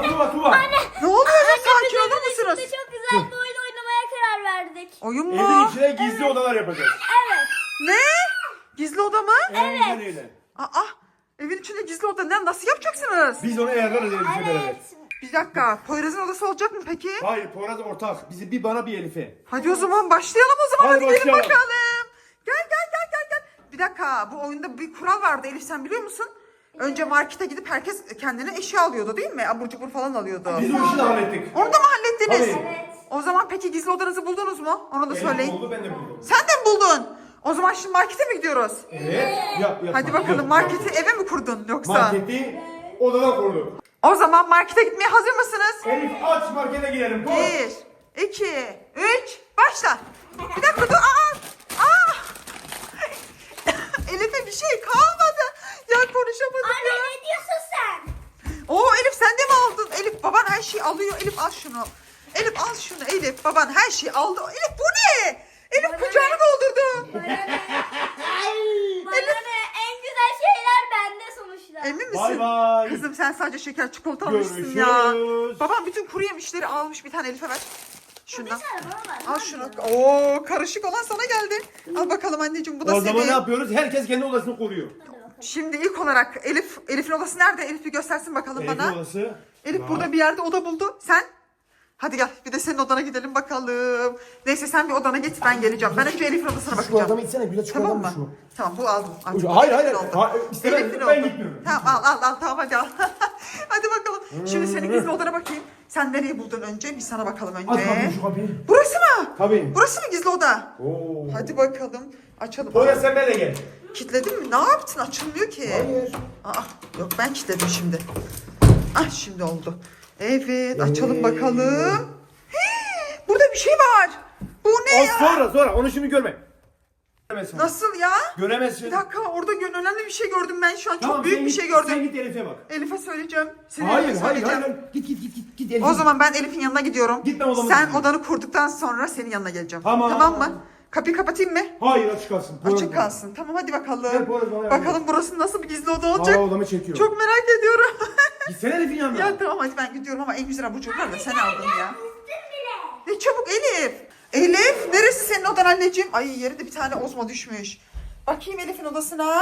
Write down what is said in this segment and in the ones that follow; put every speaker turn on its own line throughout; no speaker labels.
Tuba.
Ne oluyor ya? Sakin
Biz
olur
evin içinde
musunuz?
çok güzel bir oyun oynamaya karar verdik.
Oyun
Evin
mu?
içine gizli odalar yapacağız.
Evet.
Ne? Gizli oda mı?
Aynen öyle.
Aa, evin içinde gizli oda ne? Nasıl yapacaksınız?
Biz onu ayarlarız Elif'le beraber.
Evet.
Bir dakika. Poyraz'ın odası olacak mı peki?
Hayır, Poyraz ortak. Bizi bir bana bir Elif'e.
Hadi o zaman başlayalım o zaman.
Hadi
Hadi gelin
başlayalım.
bakalım. Gel. Bir dakika. Bu oyunda bir kural vardı Elif, sen biliyor musun? Önce markete gidip herkes kendine eşya alıyordu değil mi? Abur cubur falan alıyordu.
Biz o işi de hallettik.
Onu da mı hallettiniz?
Tabii.
Evet.
O zaman peki gizli odanızı buldunuz mu? Onu da
Elif
söyleyin.
buldu, ben de buldum.
Sen de mi buldun? O zaman şimdi markete mi gidiyoruz?
Evet. Yap.
Hadi bakalım, marketi eve mi kurdun yoksa?
Marketi odadan kurduk.
O zaman markete gitmeye hazır mısınız?
Elif aç markete gidelim. Koş.
1, 2, 3, başla. Bir dakika dur. Aa! Elif'e bir şey kalmadı. Ya konuşamadım
Anne
ya.
ne diyorsun sen?
Oo Elif, sen de mi aldın? Elif, baban her şeyi alıyor. Elif al şunu. Elif al şunu Elif. Baban her şeyi aldı. Elif bu ne? Elif
Bana
kucağına
ne?
doldurdu.
Bana ne? En güzel şeyler bende sonuçta.
Emin misin?
Bay bay.
Kızım sen sadece şeker çikolata almışsın ya.
Görüşürüz.
Babam bütün kuru yemişleri almış, bir tane Elif'e ver. Şundan.
Bir tane bana ver.
Al şunu. Oo, karışık olan sana geldi. Al bakalım anneciğim, bu da
O zaman ne
senin.
yapıyoruz? Herkes kendi odasını koruyor.
Hadi bakalım.
Şimdi ilk olarak Elif'in odası nerede? Elif bir göstersin bakalım
Elif'in
bana.
odası.
Elif
var.
burada bir yerde oda buldu. Sen? Hadi gel, bir de senin odana gidelim bakalım. Neyse sen bir odana git, ben geleceğim. Ben önce Elif'in odasına
Şu
bakacağım.
adamı içsene, güzel
Tamam
çikolata
mı?
mı şu?
Tamam, bu aldım. Al.
Hayır.
Elif'in oldu.
İstemem,
Elif'in
ben
oldu.
gitmiyorum.
Tamam al tamam hadi al. Hadi bakalım. Şimdi senin gizli odana bakayım. Sen nereyi buldun önce? Bir sana bakalım
Aç
önce.
kapıyı, şu kapıyı.
Burası mı?
Tabii.
Burası mı gizli oda?
Oo.
Hadi bakalım. Açalım.
Poyraz sen benimle gel.
Kilitledin mi? Ne yaptın? Açılmıyor ki.
Hayır.
Yok, ben kilitledim şimdi. Şimdi oldu. Evet, açalım bakalım. Hii, burada bir şey var. Bu ne ya?
Sonra onu şimdi görme. Göremezsin.
Nasıl ya?
Göremezsin.
Bir dakika, orada önemli bir şey gördüm ben şu an.
Tamam,
Çok büyük
sen
bir
git-
şey gördüm.
Sen git Elif'e bak.
Elif'e söyleyeceğim. Senin
Hayır.
Elif'e söyleyeceğim.
Git Elif'e.
O zaman ben Elif'in yanına gidiyorum.
Git, ben odama
Sen
gidiyorum.
odanı kurduktan sonra senin yanına geleceğim.
Tamam.
Tamam mı? Kapıyı kapatayım mı?
Hayır, açık kalsın. Poyraz
Açık
bana.
kalsın. Tamam hadi bakalım.
Gel, Poyraz bana yardım
Bakalım burası nasıl bir gizli oda olacak.
Hala odamı çekiyor.
Çok merak ediyorum.
Gitsene Elif'in yanına.
Ya tamam hadi ben gidiyorum ama en güzel abur cuburlar da sen aldın ya.
Bile.
Ne çabuk Elif. Elif, neresi senin odan anneciğim? Ay, yerinde bir tane ozma düşmüş. Bakayım Elif'in odasına.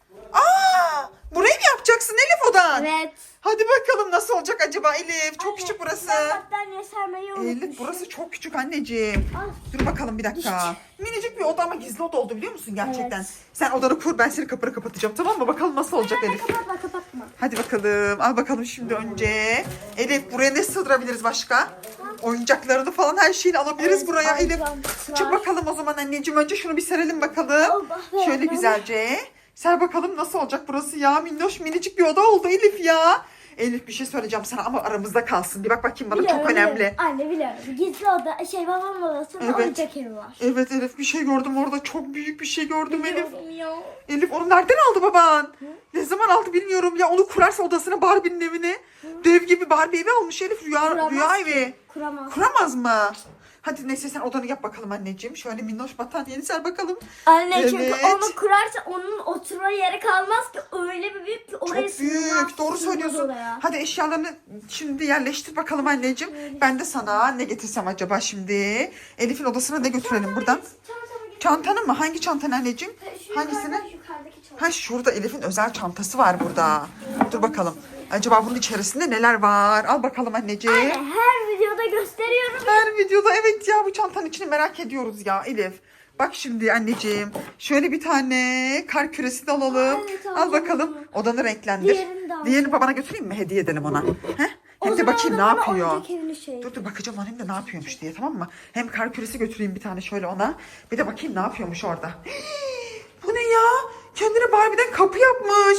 Burayı mı yapacaksın Elif odan?
Evet.
Hadi bakalım nasıl olacak acaba Elif? Çok küçük burası.
Ben battaniye sermeyi unutmuşum.
Elif, burası çok küçük anneciğim. Dur bakalım bir dakika. Minicik bir oda ama gizli oda oldu biliyor musun gerçekten?
Evet.
Sen odanı kur, ben seni kapını kapatacağım, tamam mı? Bakalım nasıl olacak Elif.
Kapatma.
Hadi bakalım. Al bakalım şimdi önce. Elif, buraya ne sığdırabiliriz başka? Oyuncaklarını falan, her şeyini alabiliriz
Evet,
buraya Elif.
oyuncaklar.
Çık bakalım o zaman anneciğim. Önce şunu bir serelim bakalım.
Allah,
Şöyle
evet.
güzelce. Ser bakalım nasıl olacak burası ya. Minnoş minicik bir oda oldu Elif ya. Elif, bir şey söyleyeceğim sana ama aramızda kalsın. Bir bak bakayım bana, çok önemli.
Anne biliyorum. Gizli oda, babamın odasında
Evet.
oyuncak evi var.
Evet Elif, bir şey gördüm orada. Çok büyük bir şey gördüm Elif.
Biliyorum ya.
Elif, onu nereden aldı baban? Ne zaman aldı bilmiyorum ya. Onu kurarsa odasına, Barbie'nin evine. Dev gibi Barbie evi almış Elif.
Kuramaz
Rüya
ki.
evi.
Kuramaz.
Kuramaz mı? Hadi neyse sen odanı yap bakalım anneciğim. Şöyle minnoş battaniyeni ser bakalım.
Anne çünkü
Evet.
onu kurarsa onun oturma yeri kalmaz ki, öyle bir büyük ki oraya
Çok büyük. Doğru söylüyorsun. Hadi eşyalarını şimdi yerleştir bakalım anneciğim. Ben de sana ne getirsem acaba şimdi? Elif'in odasına ne götürelim buradan? Çantanı mı? Hangi çantanı anneciğim? Hangisini? Ha, şurada Elif'in özel çantası var burada. Dur bakalım. Acaba bunun içerisinde neler var? Al bakalım anneciğim.
Anne her videoda gösteriyorum.
Her videoda evet ya, bu çantanın içini merak ediyoruz ya Elif. Bak şimdi anneciğim. Şöyle bir tane kar küresi de alalım.
Evet,
Al
alacağım
bakalım.
onu.
Odanı renklendir.
Diğerini de alacağım.
Diğerini babana götüreyim mi? Hediye edelim ona. He?
O
Hem de
zaman
bakayım ne
da bana
yapıyor.
oyuncak evini şey.
Dur bakacağım lan, hem de ne yapıyormuş diye, tamam mı? Hem kar küresi götüreyim bir tane şöyle ona. Bir de bakayım ne yapıyormuş orada. Bu ne ya? Kendine Barbie'den kapı yapmış.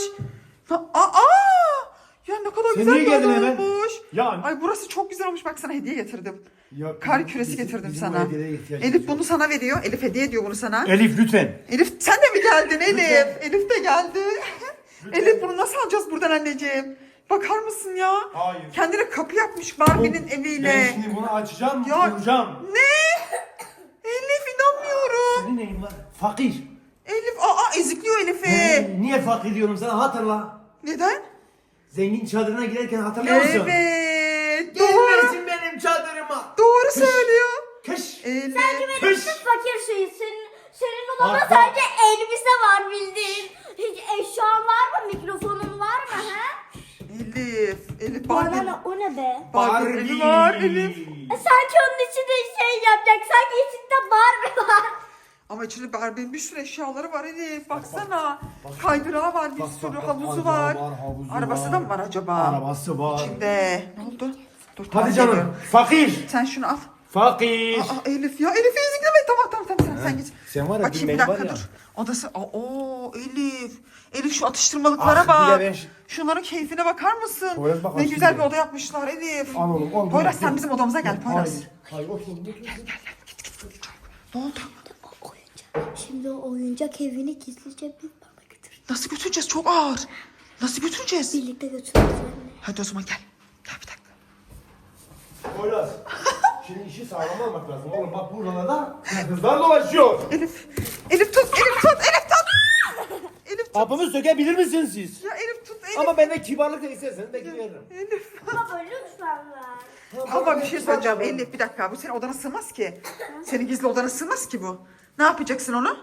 Ya ne kadar
Sen
güzel
niye
bir
geldin
oda
hemen?
olmuş.
Ya.
Ay burası çok güzel olmuş. Bak sana hediye getirdim.
Ya,
Kar küresi
bizim-
getirdim
bizim
sana.
bu hediyelere ihtiyacımız
Elif
yok.
bunu sana veriyor. Elif hediye ediyor bunu sana.
Elif lütfen.
Elif sen de mi geldin Elif?
Lütfen.
Elif de geldi.
Lütfen.
Elif bunu nasıl alacağız buradan anneciğim? Bakar mısın ya?
Hayır.
Kendine kapı yapmış Barbie'nin
Ben
eviyle.
şimdi bunu açacağım,
Ya.
kuracağım.
Ne? Elif inanmıyorum.
Senin neyin var? Fakir.
Elif ezikliyor Elif'i.
Niye fakir diyorum sana, hatırla.
Neden?
Zengin çadırına girerken hatırlıyor musun?
Evet.
benim çadırıma.
Doğru söylüyor.
Kış.
Elif.
Benim sırf fakir şeyi. Senin odanda
Bak, bak.
sadece elbise var bildiğin. Hiç eşyan var mı? Mikrofonun var mı? He?
Elif
Bana
Barbie.
ne? O ne be?
Barbie evi var Elif.
Sanki onun içinde şey yapacak. Sanki içinde Barbie var.
Ama içinde Barbie'nin bir sürü eşyaları var Elif. Baksana. Kaydırağı var, bir
Bak,
sürü
bak,
havuzu
kaydırağı
var.
havuzu
Arabası
var.
da mı var acaba?
Arabası var.
İçinde. Ne oldu? Dur, tamam,
Hadi canım.
geliyorum.
Fakir.
Sen şunu al.
Fakir.
Aa, Elif ya. Elif'i ezikleme. Tamam sen git.
Sen var ya,
Bakayım
dün
bir
benim
dakika
var ya.
dur. Odası. Elif. Elif şu atıştırmalıklara
Ah,
bak.
bir de ben-
Şunların keyfine bakar mısın?
Poyraz bak,
Ne
açtım
güzel
ya.
bir oda yapmışlar Elif.
Al oğlum, al.
Poyraz
Dur,
sen
dur.
bizim odamıza gel Poyraz.
Hayır otur.
Ne oldu?
Şimdi o oyuncak evini gizlice bir bana götür.
Nasıl götüreceğiz? Çok ağır. Nasıl götüreceğiz?
Birlikte götürürüz anne.
Hadi o zaman gel. Gel bir dakika.
Poyraz. Şimdi işi sağlam almak lazım. Oğlum bak buralarda kızlar dolaşıyor.
Elif. Elif tut. Elif tut. Elif tut.
Kapımı sökebilir misiniz siz?
Ya Elif tut. Elif.
Ama benden kibarlık da isterseniz belki veririm.
Elif.
Baba lütfen ver.
Ama bir şey söyleyeceğim Elif bir dakika. Bu senin odana sığmaz ki. Senin gizli odana sığmaz ki bu. Ne yapacaksın onu?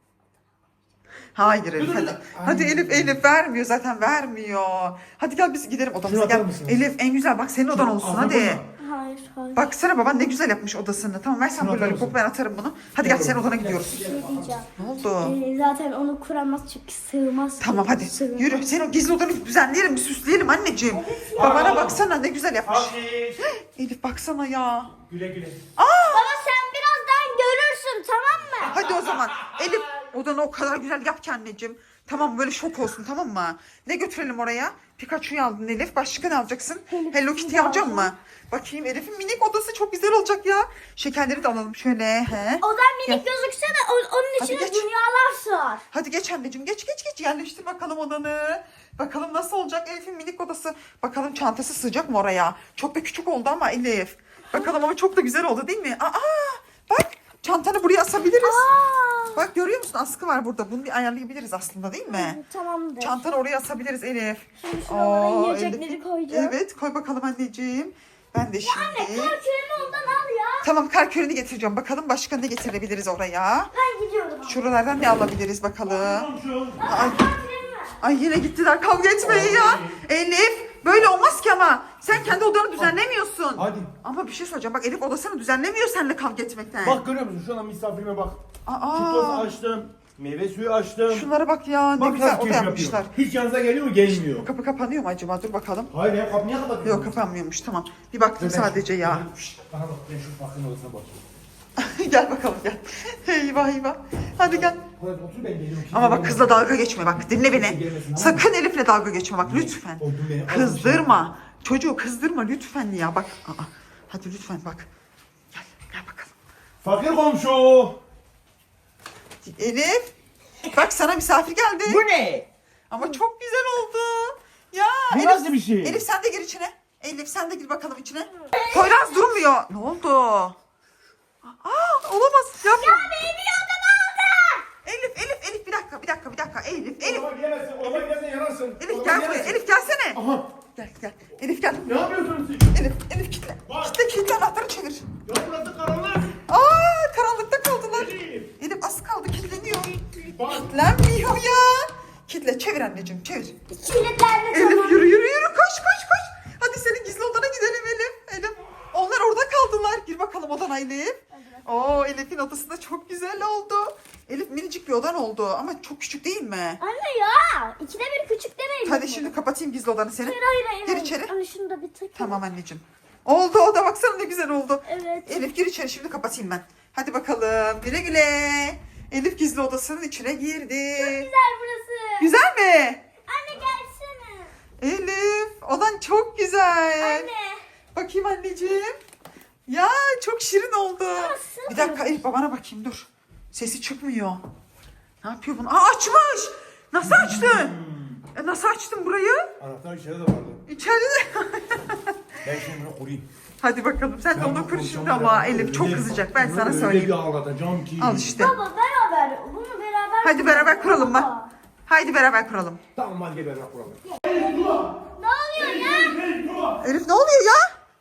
Hayır Elif hadi. Hadi Elif vermiyor zaten vermiyor. Hadi gel biz gidelim odamıza
Şunu atar
gel.
mısınız?
Elif en güzel bak senin odan olsun
Ağzına
hadi.
koyma.
Hayır.
Baksana baban ne güzel yapmış odasını. Tamam ver sen
Şunu
bu
atar
lollipopu
mısın?
ben atarım bunu. Hadi gel senin odana gidiyoruz.
Bir şey diyeceğim.
Ne oldu?
Zaten onu kuramaz çünkü sığmaz.
Tamam hadi
Sığmaz.
yürü. Senin o gizli odanı bir düzenleyelim bir süsleyelim anneciğim. Babana baksana ne güzel yapmış.
Fakir.
Elif baksana ya.
Güle güle.
Baba sen birazdan görürsün tamam mı?
Hadi o zaman. Elif odanı o kadar güzel yap ki anneciğim. Tamam böyle şok olsun tamam mı? Ne götürelim oraya? Pikachu'yu aldın Elif. Başka ne alacaksın? Hello Kitty'yi alacaksın mı? Bakayım Elif'in minik odası çok güzel olacak ya. Şekerleri de alalım şöyle. He.
Odan minik gözükse de onun
Hadi
içine
geç.
dünyalar sığar.
Hadi geç anneciğim geç yerleştir bakalım odanı. Bakalım nasıl olacak Elif'in minik odası. Bakalım çantası sığacak mı oraya? Çok da küçük oldu ama Elif. Bakalım ama çok da güzel oldu değil mi? Bak çantanı buraya asabiliriz. Bak görüyor musun askı var burada. Bunu bir ayarlayabiliriz aslında değil mi?
Tamamdır.
Çantanı oraya asabiliriz Elif.
Şimdi şuralara
Aa,
yiyecekleri
Elif.
koyacağım.
Evet koy bakalım anneciğim. Ben de şimdi.
Anne küremi ondan al ya.
Tamam kar kürünü getireceğim. Bakalım başka ne getirebiliriz oraya.
Ben gidiyorum.
Şuralardan ne alabiliriz bakalım.
Komşu.
Ay, ay yine gittiler kavga etmeye ya. Elif böyle olmaz ki ama. Sen kendi odanı düzenlemiyorsun.
Hadi.
Ama bir şey söyleyeceğim. Bak Elif odasını düzenlemiyor seninle kavga etmekten.
Bak görüyor musun? Şu an misafirime bak.
Aa,
Çitos açtım. Meyve suyu açtım.
şunlara bak ya. Ne
Bak
güzel
nasıl
oda
keyif
yapmışlar.
yapıyor. Hiç yanınıza geliyor mu? Gelmiyor.
Kapı kapanıyor mu acaba? Dur bakalım.
Hayır ya kapı niye kapatıyorsun?
Yok kapanmıyormuş tamam. Bir baktım sadece ya.
Şşt, bana bak ben şu bakın odasına bakayım.
Gel bakalım gel. Eyvah. Hadi gel.
Poyraz otur ben geliyorum.
Ama bak kızla dalga geçme bak dinle beni. Sakın Elif'le dalga geçme bak lütfen.
Oldum beni, al
Kızdırma. Çocuğu kızdırma lütfen ya bak. Hadi lütfen bak. Gel bakalım.
Fakir komşu.
Elif. Bak sana misafir geldi.
Bu ne?
Ama çok güzel oldu. Ya
Bu
Elif,
nasıl bir şey?
Elif sen de gir içine. Elif sen de gir bakalım içine. Poyraz durmuyor. Ne oldu? Olamaz. Yapma.
Ya benim odamı aldı.
Elif bir dakika. Elif.
Orama giremezsin. Orama girersen yanarsın.
Elif
Orama
gel buraya.
giremezsin.
Elif gelsene.
Aha.
Gel. Elif gel.
Ne yapıyorsunuz siz?
Elif kitle.
Bak.
Kitle anahtarı çevir.
Ya burası karanlık.
Karanlıkta kaldılar.
Elif.
Elif az kaldı kilitleniyor.
Bak.
Kilitlenmiyor ya. Kitle çevir anneciğim çevir.
Kilitlendi
Elif
tamam.
yürü koş. Hadi senin gizli odana gidelim Elif. Onlar orada kaldılar. Gir bakalım odana Elif. Oo Elif'in odası da çok güzel oldu. Elif minicik bir odan oldu ama çok küçük değil mi?
Anne ya. İkide bir küçük demeyin.
Hadi şimdi kapatayım gizli odanı senin.
Hayır.
Gir içeri.
Anne şunu da bir takayım.
Tamam anneciğim. Oldu o da baksana ne güzel oldu.
Evet.
Elif gir içeri şimdi kapatayım ben. Hadi bakalım güle. Elif gizli odasının içine girdi.
Güzel burası.
Güzel mi?
Anne gelsene.
Elif odan çok güzel.
Anne.
Bakayım anneciğim. Ya çok şirin oldu.
Nasıl?
Bir dakika Elif babana bakayım dur. Sesi çıkmıyor. Ne yapıyor bunu? Açmış. Nasıl açtın? Nasıl açtın burayı?
Anahtar içeride de vardı.
İçeride de.
Ben şimdi bunu kurayım.
Hadi bakalım sen de
Ben
onu
bu
kur
konuşamam
şimdi ama
ya.
Elif çok
Öyle-
kızacak ben sana
öyle
söyleyeyim.
bir ağlatacağım ki.
Al işte.
Baba beraber. Bunu beraber.
Hadi beraber kuralım
Baba.
mı? Haydi beraber kuralım.
Tamam hadi beraber kuralım.
Ne oluyor ya?
Elif ne oluyor ya?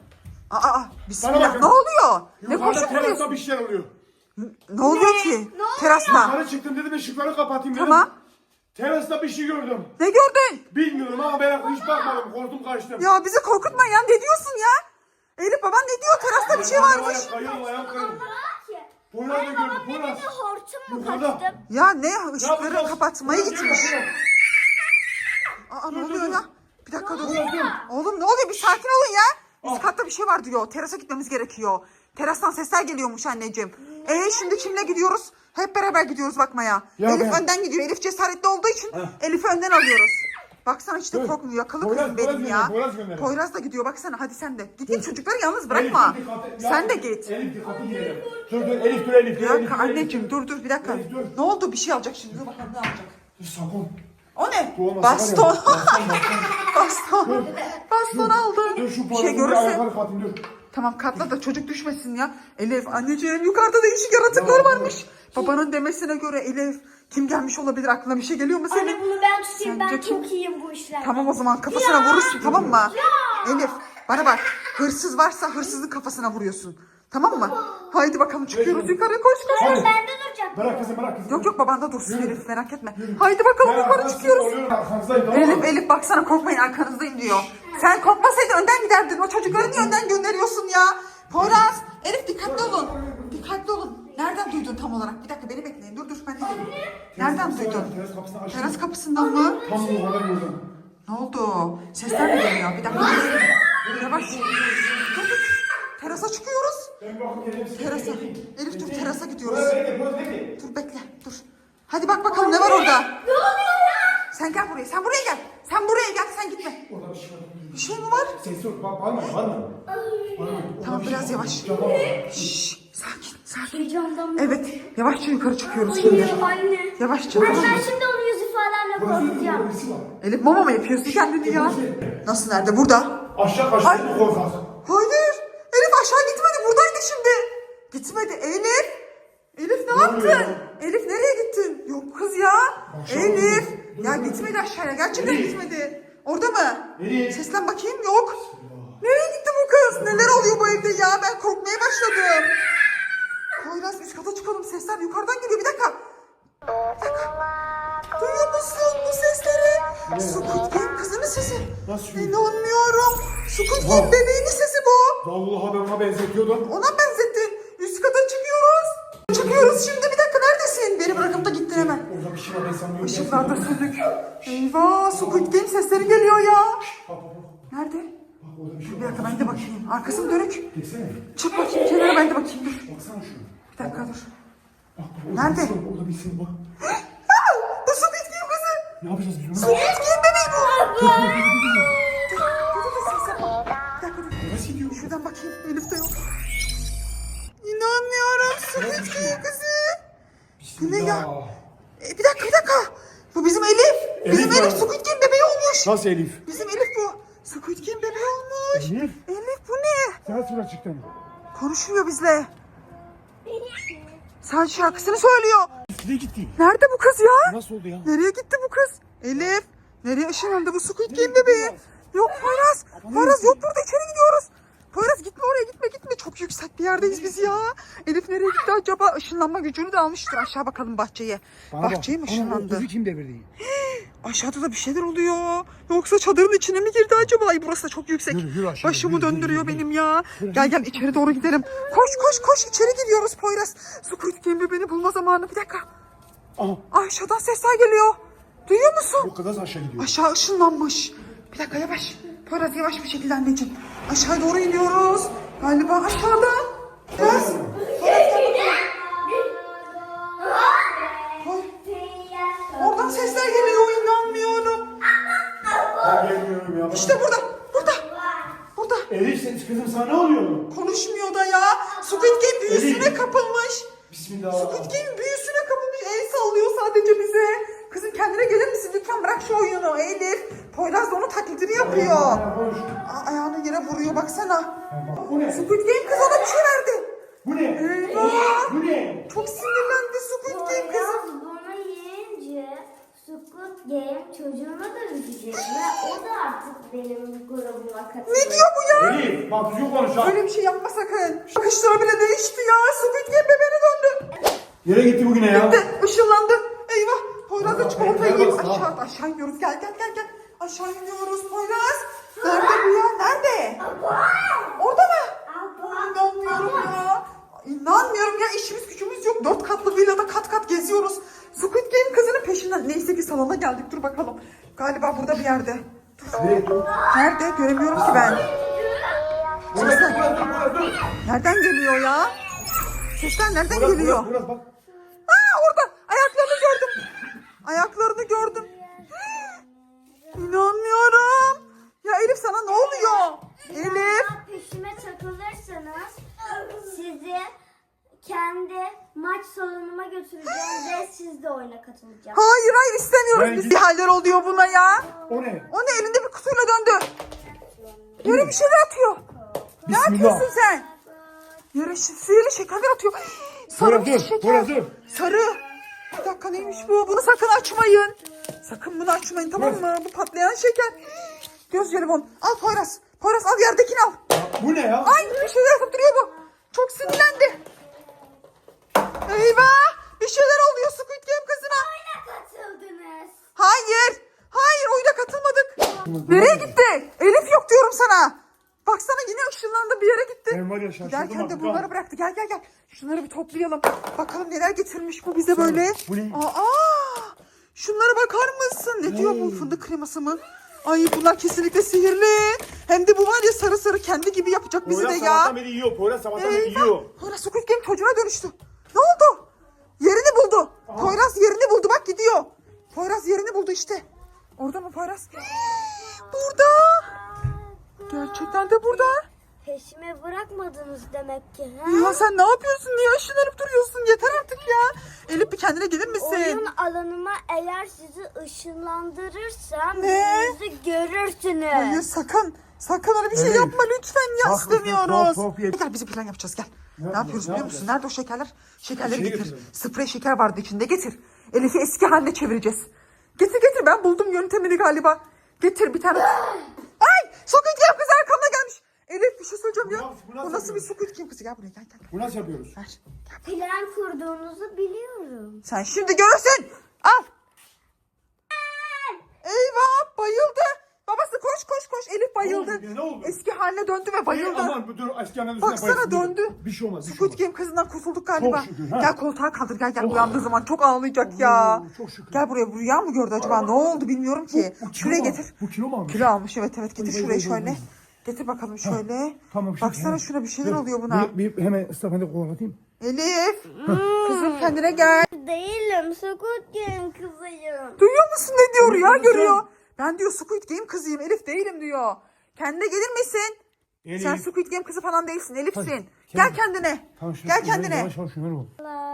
Aa,
Bana
bismillah.
bakın.
Ne oluyor? Ne
Yukarıda
koşup
terasta
duruyorsun?
bir şeyler oluyor.
Ne oluyor ki?
Ne oluyor?
Terasta.
Yukarı çıktım dedim ışıkları kapatayım dedim.
Tamam.
Terasta bir şey gördüm.
Ne gördün?
Bilmiyorum ama ben hiç bakmadım. Korktum kaçtım.
Ya bizi korkutma ya. Ne diyorsun ya? Elif baban ne diyor? Terasta bir şey varmış.
Kayıyorum ayağım kayıyorum.
Ki.
Poyraz da gördüm.
Babam
Poyraz.
dedi hortum mu
Yukarıda.
kaçtım?
Ya ne?
Ne
Işıkları
yapacağız?
kapatmaya
Poyraz,
gitmiş.
gel, gel.
Aa, ne
Dur,
oluyor
dur,
ya? Bir dakika dur.
Poyraz, dur.
Oğlum ne oluyor? Bir sakin olun ya. Üst
Ah.
katta bir şey var diyor. Terasa gitmemiz gerekiyor. Terastan sesler geliyormuş anneciğim. Şimdi kimle gidiyoruz? Hep beraber gidiyoruz bakmaya.
Ya
Elif
ben-
önden gidiyor. Elif cesaretli olduğu için
Heh.
Elif'i önden alıyoruz. Baksana işte
Dur.
korkmuyor. Yakalı
Poyraz,
kızım benim
Poyraz
ya.
gönder, Poyraz gönder.
Poyraz da gidiyor. Baksana hadi sen de. Git çocukları yalnız bırakma.
Elif, dikkatli-
Sen
ya,
de git.
Elif dikkatli gidelim. Dur Elif dur Elif dur.
Bir
Elif,
dakika
dur, Elif,
anneciğim dur bir dakika.
Elif, dur.
Ne oldu? Bir şey alacak şimdi. Dur bakalım ne alacak.
Dur sakın.
O ne?
Bu olmasa
Baston.
var ya, baston.
Baston. Baston aldı.
Dur şu
Bir şey
Poyraz'ın
görürse.
ayakları kapatayım dur.
Tamam katla da çocuk düşmesin ya. Elif anneciğim yukarıda değişik yaratıklar
Ya,
varmış. Babanın demesine göre Elif kim gelmiş olabilir, aklına bir şey geliyor mu senin?
Anne bunu ben tutayım.
Sence
Ben
kim?
çok iyiyim bu işlerde.
Tamam o zaman kafasına vurursun tamam mı? Elif bana bak, hırsız varsa hırsızın kafasına vuruyorsun. Tamam mı? Haydi bakalım çıkıyoruz
Yürü.
yukarı koş koş.
Hadi.
Ben de duracağım.
Bırak kızım bırak kızım.
Yok yok babanda dursun
Yürü.
Elif merak etme. Haydi bakalım
Ben
yukarı
arkanızda
çıkıyoruz.
oluyorum, arkanızdayım, tamam mı?
Elif baksana korkmayın arkanızdayım diyor. Sen korkmasaydın önden giderdin. O çocukları niye önden gönderiyorsun ya? Poyraz, Elif dikkatli olun. Dikkatli olun. Nereden duydun tam olarak? Bir dakika beni bekleyin. Dur ben de geleyim. Nereden duydun?
Teras kapısını açtım.
Teras kapısından mı?
Tam bu kadar gördüm.
Ne oldu? Sesler mi geliyor? Bir dakika. Yavaş. Dur. Terasa çıkıyoruz.
Ben bakıp geleyim size.
Terasa. Elif dur terasa gidiyoruz.
Poyraz bekle.
Dur bekle dur. Hadi bak bakalım ne var orada. Sen gel buraya. Sen buraya gel. Sen buraya gel. Sen gitme.
Orada bir şey var.
Bir şey mi var?
Ses yok. Bağırma.
Tamam biraz yavaş.
Cama bak.
Şşş, sakin.
Heyecandan.
Evet, yavaşça yukarı çıkıyoruz şimdi.
Anne.
Yavaşça.
Anne
Tamam mı?
ben şimdi onu yüz ifademle korkutacağım.
Birisi var.
Elif mama mı yapıyorsun kendini ya? Nasıl nerede? Burada.
Aşağı kaçtı. Korkak.
Hayır. Elif aşağı gitmedi. Buradaydı şimdi. Gitmedi. Elif. Elif ne yaptın?
oluyor?
Elif nereye gittin? Yok kız ya.
Aşağı
Elif.
dur.
Ya gitmedi aşağıya. Gerçekten
Elif.
gitmedi. Orada mı?
Elif.
Seslen bakayım. Yok. Nereye gitti bu kız? Neler oluyor bu evde ya? Ben korkmaya başladım. Poyraz üst kata çıkalım. Sesler yukarıdan geliyor. Bir dakika. Bir dakika. Duyuyor musun bu sesleri? Squid Game kızının sesi.
Nasıl çıkıyor?
İnanmıyorum. Squid Game
Wow.
bebeğinin sesi bu.
Vallahi ben ona benzetiyordum.
Ona benzettin. Üst kata çıkıyoruz. Çıkıyoruz şimdi. Bir dakika neredesin? Beni bırakıp da gittin hemen.
Orada bir şey var ben sanmıyorum.
Işıklar da sönük. Eyvah Squid Game sesleri geliyor ya.
Bak bak bak.
Nerede?
Bak orada bir şey
Bir
var.
dakika ben de bakayım. Arkası mı dönük?
Geçsene.
Çık bakayım kenara ben de bakayım dur.
Baksana şuna.
Bir dakika dur.
Bak bak. Orada
Nerede?
Bir şey var. Orada bir şey var.
Aa, bu Squid Game kızı.
Ne yapacağız biz bunu?
Squid Game bebeği bu. Dur ses yapma. Bir dakika dur.
Nasıl gidiyor?
Şuradan bakayım. Elif de yok. İnanmıyorum Squid Game kızı. Bu ne ya? Bir dakika. Bu bizim Elif. Bizim
Elif
Elif
mi?
Squid Game bebeği olmuş.
Nasıl Elif?
Bizim Elif bu. Squid Game bebeği olmuş.
Elif.
Elif bu ne?
Sen sıra çıktın.
Konuşmuyor bizle. Sadece şarkısını söylüyor.
Nereye gitti?
Nerede bu kız ya?
Nasıl oldu ya?
Nereye gitti bu kız? Elif. Nereye ışınlandı bu Squid Game bebeği? Yok Poyraz. Poyraz yok burada içeri gidiyoruz. Poyraz gitme oraya gitme. Çok yüksek bir yerdeyiz biz ya. Elif nereye gitti acaba? Işınlanma gücünü de almıştır. Aşağı bakalım bahçeye. Bahçeye mi ışınlandı?
kim devirdi?
Aşağıda da bir şeyler oluyor. Yoksa çadırın içine mi girdi acaba? Ay burası da çok yüksek.
Yürü aşağı,
Başımı
yürü,
döndürüyor
yürü,
benim ya. Gel içeri doğru gidelim. Koş içeri gidiyoruz Poyraz. Squid Game bebeğini bulma zamanı. Bir dakika.
Aha.
Aşağıdan sesler geliyor. Duyuyor musun?
Bu kadar aşağı gidiyor.
Aşağı ışınlanmış. Bir dakika yavaş. Poyraz yavaş bir şekilde anneciğim. Aşağı doğru iniyoruz. Galiba aşağıda. Biraz. Oradan sesler geliyor inanmıyorum.
Ben gelmiyorum ya.
İşte burada. Burada.
Elif sen kızım sana ne oluyor?
Konuşmuyor da ya. Squid Game büyüsüne
Elif.
kapılmış.
Bismillah.
Squid Game büyüsüne kapılmış. El sallıyor sadece bize. Kızım kendine gelir misin? Lütfen bırak şu oyunu Elif. Poyraz da onun taklidini yapıyor.
Konuş.
Ayağını yere vuruyor baksana.
Bu ne?
Squid Game kız ona bir şey verdi.
Bu ne?
Eyvah.
Bu ne?
Çok sinirlendi Squid Game kızım.
Poyraz bunu yiyince Squid Game çocuğuna dönüşecek ve o da artık benim grubuma katılacak.
Ne diyor bu ya?
Elif bak düzgün konuş ha.
Öyle bir şey yapma sakın. Bakışları bile değişti ya. Squid Game bebeğine döndü.
Nereye gitti bugüne ya?
Gitti, ışınlandı. Eyvah. Poyraz da
Allah,
çikolatayı
ben
yiyip
baksana.
aşağı iniyoruz. Gel. Aşağı iniyoruz Poyraz. Nerede bu ya? Nerede? Orada mı? İnanmıyorum ya. İnanmıyorum ya. İşimiz gücümüz yok. 4 katlı villada kat kat geziyoruz. Squid Game kızının peşinden. Neyse ki salona geldik. Dur bakalım. Galiba burada bir yerde. Dur. Nerede? Göremiyorum ki ben. Nereden geliyor ya? Sesler nereden geliyor?
Burası bak.
Orada. Ayaklarını gördüm. İnanmıyorum. Ya Elif sana ne oluyor? Elif.
Peşime takılırsanız sizi kendi maç salonuma götüreceğim ve siz de oyuna katılacaksınız.
Hayır istemiyoruz. Biz bir haller oluyor buna ya.
O ne?
O ne elinde bir kutuyla döndü. Yere bir şeyler atıyor. Ne
Bismillah.
yapıyorsun sen? Yere sihirli şekerler atıyor. Sarı bir şeker.
Burası.
Sarı. Bir dakika neymiş bu? Bunu sakın açmayın. Sakın bunu açmayın tamam mı? Bu patlayan şeker. Göz jelibon. Al Poyraz. Poyraz al yerdekini al.
Bu ne ya?
Ay bir şeyler yapıp duruyor bu. Çok sinirlendi. Eyvah. Bir şeyler oluyor Squid Game kızına.
Oyuna katıldınız.
Hayır. Hayır oyuna katılmadık. Nereye gitti? Elif yok diyorum sana. Baksana yine ışınlandı bir yere gitti.
Ben var ya şaşırdım
Giderken de
artık
bunları
ha.
bıraktı. Gel. Şunları bir toplayalım. Bakalım neler getirmiş bu bize böyle.
Bu ne?
Şunlara bakar mısın? Ne diyor bu fındık kreması mı? Ay bunlar kesinlikle sihirli. Hem de bu var ya sarı sarı kendi gibi yapacak bizi de
Poyraz
ya.
sabahtan beri yiyor. Poyraz sabahtan beri yiyor.
Poyraz Squid Game çocuğuna dönüştü. Ne oldu? Yerini buldu. Poyraz yerini buldu bak gidiyor. Poyraz yerini buldu işte. Orada mı Poyraz? Burada. Gerçekten de burada.
Peşime bırakmadınız demek ki.
Ya sen ne yapıyorsun? Niye ışınlanıp duruyorsun? Yeter artık ya. Elif bir kendine gelir misin?
Oyun alanıma eğer sizi ışınlandırırsam
Ne?
yüzünüzü görürsünüz.
Hayır sakın. Sakın öyle bir şey
Elif.
yapma lütfen ya
Bak,
istemiyoruz.
tuhaf ye.
Gel biz bir plan yapacağız gel. Ne yapıyoruz
yapacağız,
biliyor
ne
musun?
yapacağız?
Nerede o şekerler? Şekerleri
Şey
getir.
getirelim.
Sprey şeker vardı içinde getir. Elif'i eski haline çevireceğiz. Getir ben buldum yöntemini galiba. Getir bir tane. Ay Squid Game kızı arkamda gelmiş. Elif bir şey söyleyeceğim ya.
Bu nasıl
Bu nasıl bir
yapıyoruz?
Squid Game kızı? Gel buraya gel.
Bu nasıl yapıyoruz?
Ver.
Plan kurduğunuzu biliyorum.
Sen şimdi görürsün. Al. Eyvah bayıldı. Babası koş. Elif bayıldı.
Ne oldu? Ne oldu?
Eski haline döndü ve bayıldı.
Aman dur eski annenin üstüne
Baksana
bayılsın.
döndü.
Bir şey olmaz. Bir şey
Squid
olmaz.
Game kızından kurtulduk galiba.
Çok şükür, ha.
Gel koltuğa kaldır gel uyandığı zaman çok ağlayacak ya.
çok şükür.
Gel buraya rüya mı gördü acaba ne oldu bilmiyorum ki.
Bu kilo
Şuraya
mu
getir.
almış? Bu kilo mu almış?
Kilo almış evet getir
Vay,
şuraya
vay, vay,
şöyle.
vay.
Getir bakalım şöyle.
Tamam.
Baksana şuna bir şeyler oluyor buna.
Bir hemen ıslafende kovalatayım.
Elif. Kızım kendine gel.
Değilim. Squid Game kızıyım.
Duyuyor musun ne diyor rüya
Duyuyorum.
görüyor. Ben diyor Squid Game kızıyım Elif değilim diyor. Kendine gelir misin?
Elif.
Sen Squid Game kızı falan değilsin Elif'sin.
Hadi,
Gel kendine.
Tamam, şunu-
Gel kendine.
Yavaş şunları ol.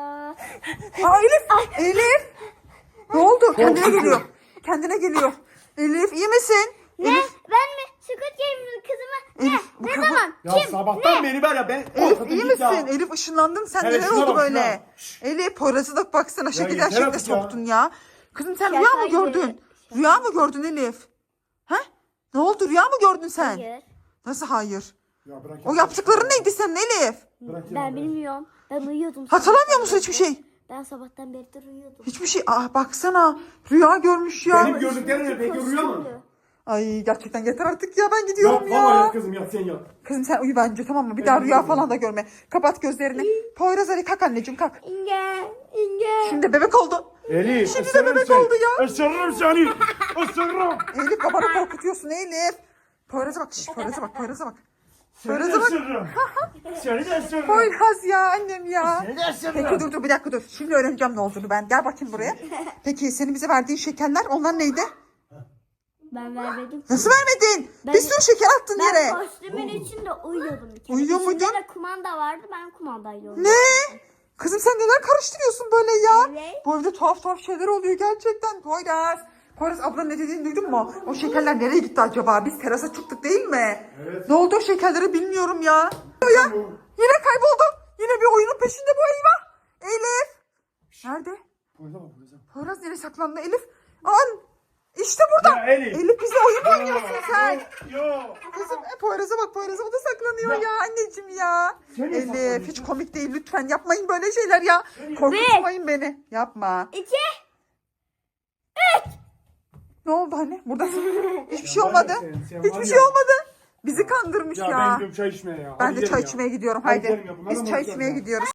Aa Elif. Ne oldu? Kendine geliyor. Kendine geliyor. Elif iyi misin?
Ne?
Elif,
Ben mi? Squid Game'in kızı mı?
Elif, bu
Ne
kafa-
zaman?
Ya
Kim?
sabahtan beri var ya ben...
Elif
korkutun
iyi
git ya.
misin? Elif ışınlandın sen
Evet,
neler
şuna
oldu
bak,
böyle?
şuna.
Elif Poyraz'a da baksana şekilden
yeter
şekle
artık ya.
soktun ya. Kızım sen
Şaka
rüya mı
gibi.
gördün? Rüya mı gördün Elif? He? Ne oldu rüya mı gördün sen?
Hayır.
Nasıl hayır?
Ya bırak
O
ya.
yaptıkların neydi senin Elif?
Bırak ya,
Ben
bırak.
bilmiyorum. Ben uyuyordum.
Hatırlamıyor musun hiçbir şey?
Ben sabahtan beridir uyuyordum.
Hiçbir şey. Baksana rüya görmüş ya.
Benim gördüklerim ne? Peki rüya mı?
Ay gerçekten yeter artık ya ben
Yok
gidiyorum ya.
vallahi yat kızım yat sen yat.
Kızım sen uyu bence tamam mı? Bir daha rüya falan da görme. Kapat gözlerini. Poyraz hadi kalk anneciğim kalk.
İnge.
Şimdi bebek oldu.
Elif.
Şimdi de bebek oldu ya.
Isırırım seni. Isırırım.
Elif babanı korkutuyorsun Elif. Poyraz'a bak. Poyraz'a bak. Poyraz'a bak.
Seni de
Poyraz'a bak.
ısırırım. Seni de ısırırım.
Poyraz ya annem ya.
Seni de ısırırım.
Peki dur bir dakika dur. Şimdi öğreneceğim ne olduğunu ben. Gel bakayım buraya. Peki senin bize verdiğin şekerler onlar neydi?
Ben vermedim.
Nasıl vermedin?
Ben-
Bir sürü şeker attın
Ben
yere.
kostümün içinde uyuyordum bir kere.
Uyuyor
İçinde
muydun?
de kumanda vardı. Ben kumandayla uyuyordum.
Ne? Kızım sen neler karıştırıyorsun böyle ya?
Evet.
Bu evde tuhaf şeyler oluyor gerçekten. Poyraz. Poyraz ablanın ne dediğini duydun mu? O şekerler nereye gitti acaba? Biz terasa çıktık değil mi?
Evet.
Ne oldu o şekerleri bilmiyorum ya. Ya yine kayboldu. Yine bir oyunun peşinde bu eyvah. Elif. Nerede?
Poyraz'a bak Poyraz'a.
Poyraz nereye saklandı Elif? An. İşte burada.
Ya Elif.
Elif bize oyun mu oynuyorsun sen?
Yok.
Kızım Poyraz'a bak, Poyraz'a o da saklanıyor ya anneciğim ya.
Sen niye
Elif
saklanıyorsun?
hiç komik değil, lütfen yapmayın böyle şeyler ya. Korkutmayın beni. Yapma.
2.
Ne oldu hani? Burada hiçbir şey
var ya
olmadı.
sen var
Hiçbir
ya.
şey olmadı. Bizi kandırmış
Ya
ya.
ben gidiyorum çay içmeye ya.
Ben
Hadi
de
gidelim
çay
ya.
içmeye gidiyorum.
Hadi
Haydi.
gidelim ya, bunlarla
Biz
mı
çay
uğraşacağız
içmeye
ya?
gidiyoruz.